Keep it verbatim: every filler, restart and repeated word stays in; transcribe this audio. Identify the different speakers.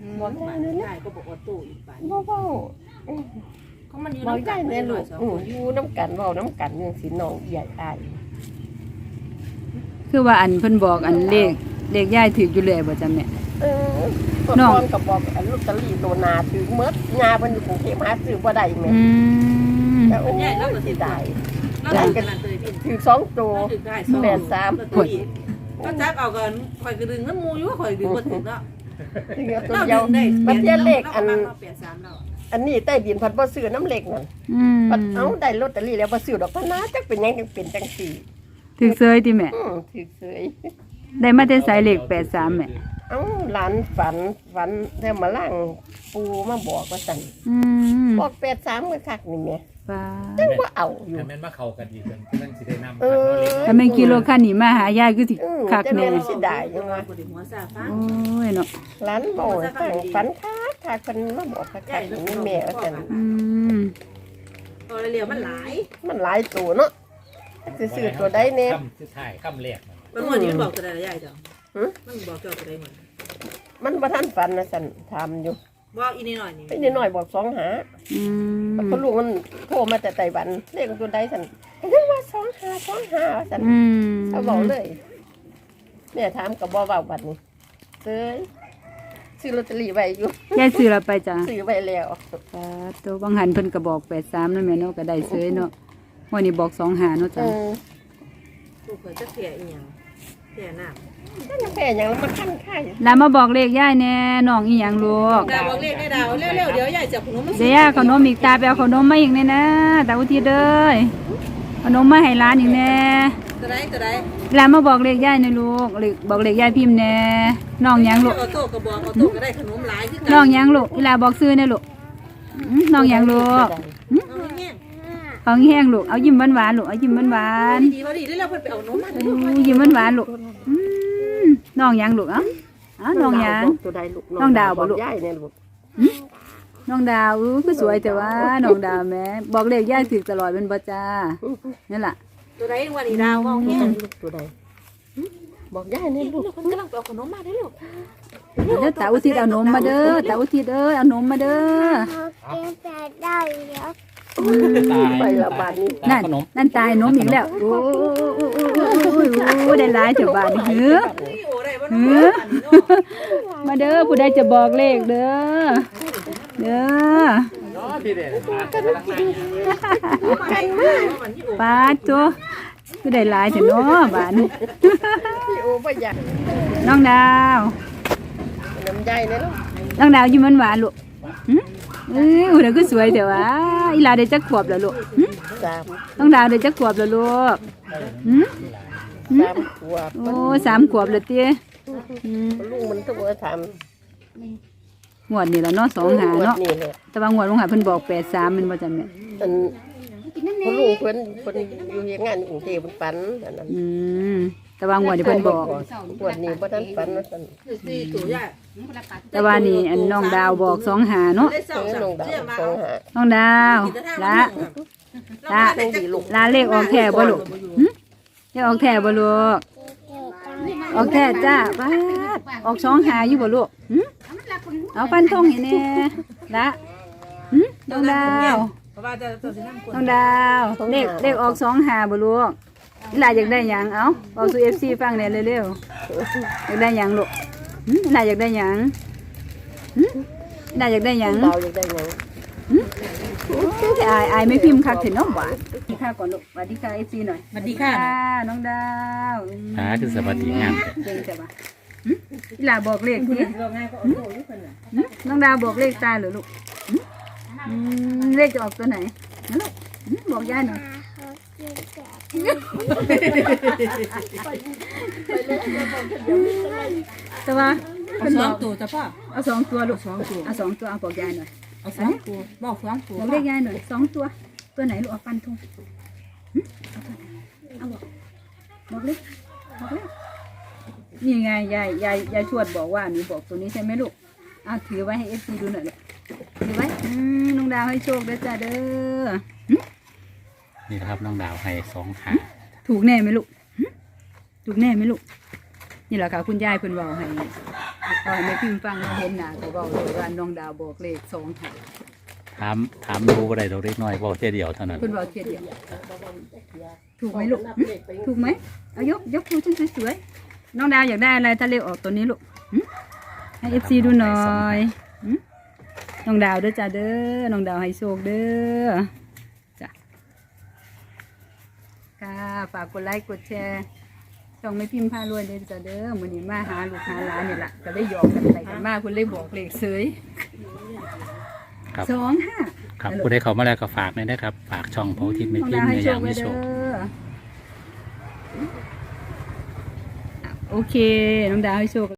Speaker 1: บอกได้เลยนะก็บอกว่าตู้อีกบ้านบ่เว้าเขามันอยู่น้ำกันในลูกอยู่น้ำกันเว้าน้ำกันยังสิน้องใหญ่อาย
Speaker 2: คือว่าอันเพิ่นบอกอันเลขเลขย่ายถืออยู่เลยบ่จ้ะแม่
Speaker 1: เออน้องก็บอกอันลอตเตอรี่ตัวนาถือหมดงาเพิ่นอยู่กรุงเทพหาซื้อบ่ได้แม่
Speaker 2: อืม
Speaker 1: แต่โอ้ยเราก็สิได้ได้กันถือสองตัวแปดสาม
Speaker 3: ก็จับเอากันข่อยก็ดึงน้ำมูอยู่ข่อยดึงบ่ถึงแล้ว
Speaker 1: ตัวเดียวมันเทียเลขอันอันนี้ใต้ดินพัดบ่ซื้อน้ำเหล็กนั่นพัดเอาได้ลอตเตอรี่แล้วบ่ซื้อดอกพะนาจักเป็นหยังจังเป็นจังซี่
Speaker 2: ถือเซยติแม่
Speaker 1: อือถือเซย
Speaker 2: ได้มาแต่สายเลขแปดสามแม่
Speaker 1: เอ้าหลานฝันฝันแล้วมาล่างปูมาบอกว่าซั่น
Speaker 2: อืม
Speaker 1: บอกแปดสามก็คักนี่แม่
Speaker 2: ป้า
Speaker 1: จังบ่เอาอยู่
Speaker 4: แม่นมาเข้ากันอีกเพิ่นเพิ่นสิได้นำ
Speaker 1: เออ
Speaker 2: ถ้าแม่กิโลคันนี้มาหายายคือสิคักแน่
Speaker 1: สิได้จังว่า
Speaker 2: โอ้ยเนาะ
Speaker 1: หลานบ่ตั้งฝันคักคักเพิ่นมาบอกคักๆนี่แม่ว่าซั่น
Speaker 2: อืม
Speaker 3: ตัวเรียวมันหลาย
Speaker 1: มันหลายตัวเนาะสิซื้อตัวใดแน่
Speaker 4: ค่ำสุดท้ายค่ำแรก
Speaker 3: มันวันนี้มันบอกตัวใดล่ะยายจ้ะหึมันบอกเจ้าตัวใดเหมือน
Speaker 1: มันบ่ทันฝันนะซั่นถามอยู่
Speaker 3: บอกอีนิดหน่อยนี่
Speaker 1: อีนิดหน่อยบอกสองหา
Speaker 2: อืม
Speaker 1: เพราะลูกมันโทรมาแต่ไต้หวันเลขตัวใดซั่นเรียกว่าสองหาสองหาซั่น
Speaker 2: อืม
Speaker 1: เขาบอกเลยแม่ถามก็บ่เว้าบัดนี้เอ้ยซื้อลอตเตอรี่ไว้อยู่
Speaker 2: ยายซื้อแล้วไปจ้ะ
Speaker 1: ซื้อไว้แล้ว
Speaker 2: ป้าตัวบางหันเพิ่นก็บอกแปดสามนั่นแม่เนาะก็ได้เซยเนาะวันนี้บอกสองหาเนาะจ้ะ
Speaker 3: ลูกเพิ่นจะเสียอีหยังเสียน้ำ
Speaker 1: นั่นแพ้หยังแล้วมันคั่นไข่
Speaker 2: แล้วมาบอกเลขยายแน่น้องอีหยังลูก
Speaker 3: ดาวบอกเลขได้ดาวเร็วๆเดี๋ยวยายจับขนมมา
Speaker 2: เดี๋ยวขนมอีกตาไปเอาขนมมาอีกแน่นะตาอุทิศเด้อขนมมาให้ร้านอีกแน่
Speaker 3: ตัวใดตัวใด
Speaker 2: ร้านมาบอกเลขยายนะลูกเลขบอกเลขยายพิมพ์แน่น้องหยังลูก
Speaker 3: เอาโต๊ะก็บอกเอาโต๊ะก็ได้ขนมหลายคือกัน
Speaker 2: น้องหยังลูกเวลาบอกซื้อแน่ลูกน้องหยังลูกเอาแห้งลูกเอายิ้มหวานๆลูกเอายิ้มหวาน
Speaker 3: ๆดีพอดีได้แล้วเพิ่นไปเอานมมาให้ลูก
Speaker 2: ยิ้มหวานๆลูกน้องหยังลูกเอ้าอ้าน้องหยังน้องดาวบ่ลูก
Speaker 1: ยายเนี่ยลูก
Speaker 2: น้องดาวอู้คือสวยแต่ว่าน้องดาวแม่บอกเลขยายถูกตลอดเป็นบ่จ้านั่นล่ะ
Speaker 3: ตัวใดวันนี้ดาวเอาแห้ง
Speaker 1: ตัวใดบอกยายเนี่ยลูก
Speaker 3: เพิ่นกำลังไปเอาขนมมาได้ลูก
Speaker 2: เด้อตาอุทิศเอานมมาเด้อตาอุทิศเอ้ยเอานมมาเด้อ
Speaker 1: ได้แล้วไปละบาทนี้
Speaker 2: นั่นนั่นตายนมอีกแล้วโอ้โอ้ได้หลายเถอะบาทนี้เฮ้อเฮ้อมาเด้อผู้ใดจะบอกเลขเด้อเด้อป้าจ้ะผู้ใดหลายเถอะเนาะบาทนี้น้องดาว
Speaker 1: น้ำใจเนี่ยลูก
Speaker 2: น้องดาวยิ้มหวานๆลูกเอ้ยเดี๋ยวก็สวยเดี๋ยวว่าอีลาได้จักขวบแล้วลูกต้องดาวได้จักขวบแล้วลูก
Speaker 1: สามขวบ
Speaker 2: โอ้สามขวบเลยเตี้ย
Speaker 1: ลูกมันต้องมาท
Speaker 2: ำงวดนี่แล้วเนาะสองหาเนาะแต่ว่างวดลงหาเพิ่นบอกแปดสามมันบ่จำเนี่ย
Speaker 1: พ่อลูกเพิ่นเพิ่นอยู่งานกรุงเทพเพิ่นฝันอันนั้น
Speaker 2: อืมแต่ว่างวดนี่เพิ่นบอก
Speaker 1: งวดนี้บ่ทันฝันว่าซั่น
Speaker 2: แต่ว่านี่อันน้องดาวบอกสองหาเนาะ
Speaker 1: น้องดาวสองหา
Speaker 2: น้องดาวละละลาเลขออกแท้บ่ลูกเลขออกแท้บ่ลูกออกแท้จ้าป้าออกสองหาอยู่บ่ลูกเอาฟันทงให้แน่ละน้องดาวน้องดาวเลขเลขออกสองหาบ่ลูกอีหลาอยากได้หยังเอ้าบอกสู่ เอฟ ซี ฟังแน่เร็วๆอยากได้หยังลูกอีหลาอยากได้หยังอีหลาอยากได้หยัง
Speaker 1: ดาวอยากได้หยัง
Speaker 2: อายอายไม่พิมพ์คักถึงน้องหวานสวัสดีค่ะก่อนลูกสวัสดีค่ะ เอฟ ซี หน่อย
Speaker 3: สวัสดีค่ะ
Speaker 2: น้องดาว
Speaker 4: อ่าคือสวัสดีงาม
Speaker 2: เก่งจังว่ะอีหลาบอกเลขทีน้องดาวบอกเลขตาเหรอลูกเลขจะออกตัวไหนลูกบอกยายหน่อยแต่ว่า
Speaker 3: เอาสองตัวจ้ะพ่อ
Speaker 2: เอาสองตัวลูกสองตัวเอาสองตัวเอาบอกยายหน่อย
Speaker 3: เอาสองตัวบอกสองตัว
Speaker 2: บอกเลขยายหน่อยสองตัวตัวไหนลูกเอาฟันธงเอาบอกบอกเลขบอกเลขนี่ไงยายยายยายชวดบอกว่าหนูบอกตัวนี้ใช่ไหมลูกเอาถือไว้ให้เอฟซีดูหน่อยเลยถือไว้น้องดาวให้โชคด้วยจ้าเด้อ
Speaker 4: นี่นะครับน้องดาวให้สองหา
Speaker 2: ถูกแน่ไหมลูกถูกแน่ไหมลูกนี่แหละค่ะคุณยายเพิ่นเว้าให้เอาให้แม่พิมพ์ฟังเห็นหน้าก็เว้าเลยว่าน้องดาวบอกเลขสองหา
Speaker 4: ถามถามดูบ่ได้ดอกเล็กน้อยเว้าเท่ยเดียวเท่านั้น
Speaker 2: เพิ่นเว้าเทียเดียวถูกไหมลูกหึถูกไหมเอายกยกดูฉันสวยๆน้องดาวอยากได้อะไรถ้าเลขออกตัวนี้ลูกหึให้ เอฟ ซี ดูหน่อยหึน้องดาวเด้อจ้าเด้อน้องดาวให้โชคเด้อจ้ะค่ะฝากกดไลค์กดแชร์ช่องไม่พิมพ์พารวยเด้อจ้าเด้อมื้อนี้มาหาลูกหาหลานนี่ล่ะก็ได้หยอกกันไปกันมาเพิ่นเลยบอกเลขเสย
Speaker 4: ครับ
Speaker 2: สองห้า
Speaker 4: ครับผู้ใดเข้ามาแล้วก็ฝากหน่อยนะครับฝากช่องพระอุทิศไม่
Speaker 2: น้อง
Speaker 4: พิม
Speaker 2: ดาว
Speaker 4: พ์
Speaker 2: ให้
Speaker 4: ใน
Speaker 2: โช
Speaker 4: ยา
Speaker 2: ค
Speaker 4: ม
Speaker 2: ไว้
Speaker 4: มี
Speaker 2: เด้
Speaker 4: โชค
Speaker 2: อโอเคน้องดาวให้โชค